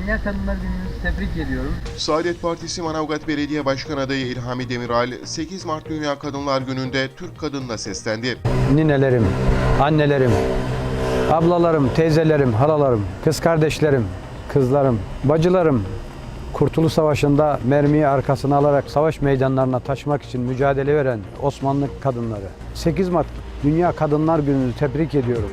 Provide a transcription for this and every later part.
Dünya Kadınlar Günü'nüzü tebrik ediyorum. Saadet Partisi Manavgat Belediye Başkan adayı İlhami Demiral, 8 Mart Dünya Kadınlar Günü'nde Türk kadınına seslendi. Ninelerim, annelerim, ablalarım, teyzelerim, halalarım, kız kardeşlerim, kızlarım, bacılarım, Kurtuluş Savaşı'nda mermiyi arkasına alarak savaş meydanlarına taşımak için mücadele veren Osmanlı kadınları. 8 Mart Dünya Kadınlar Günü'nü tebrik ediyorum.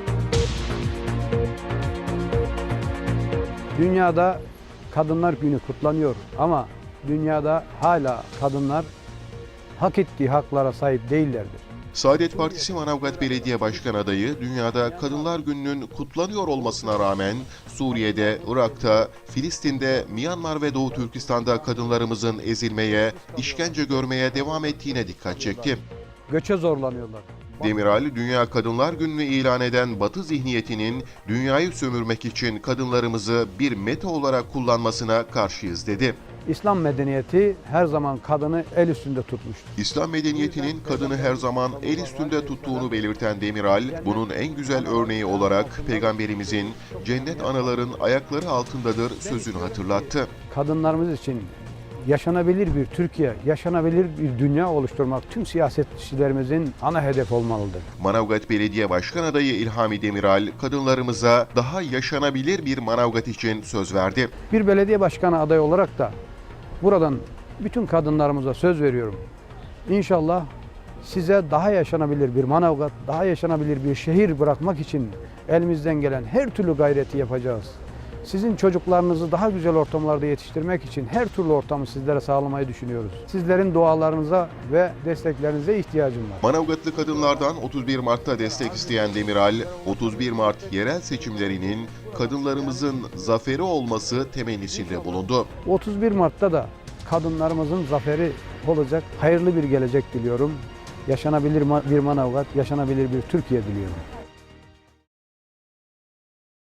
Dünyada Kadınlar Günü kutlanıyor ama dünyada hala kadınlar hak ettiği haklara sahip değillerdir. Saadet Partisi Manavgat Belediye Başkan adayı, dünyada Kadınlar Günü'nün kutlanıyor olmasına rağmen Suriye'de, Irak'ta, Filistin'de, Myanmar ve Doğu Türkistan'da kadınlarımızın ezilmeye, işkence görmeye devam ettiğine dikkat çekti. Göçe zorlanıyorlar. Demiral, Dünya Kadınlar Günü'nü ilan eden Batı zihniyetinin dünyayı sömürmek için kadınlarımızı bir meta olarak kullanmasına karşıyız dedi. İslam medeniyeti her zaman kadını el üstünde tutmuştur. İslam medeniyetinin kadını her zaman el üstünde tuttuğunu belirten Demiral, bunun en güzel örneği olarak Peygamberimizin cennet anaların ayakları altındadır sözünü hatırlattı. Kadınlarımız için yaşanabilir bir Türkiye, yaşanabilir bir dünya oluşturmak tüm siyasetçilerimizin ana hedef olmalıdır. Manavgat Belediye Başkan adayı İlhami Demiral, kadınlarımıza daha yaşanabilir bir Manavgat için söz verdi. Bir belediye başkanı adayı olarak da buradan bütün kadınlarımıza söz veriyorum. İnşallah size daha yaşanabilir bir Manavgat, daha yaşanabilir bir şehir bırakmak için elimizden gelen her türlü gayreti yapacağız. Sizin çocuklarınızı daha güzel ortamlarda yetiştirmek için her türlü ortamı sizlere sağlamayı düşünüyoruz. Sizlerin dualarınıza ve desteklerinize ihtiyacım var. Manavgatlı kadınlardan 31 Mart'ta destek isteyen Demiral, 31 Mart yerel seçimlerinin kadınlarımızın zaferi olması temennisinde bulundu. 31 Mart'ta da kadınlarımızın zaferi olacak, hayırlı bir gelecek diliyorum. Yaşanabilir bir Manavgat, yaşanabilir bir Türkiye diliyorum.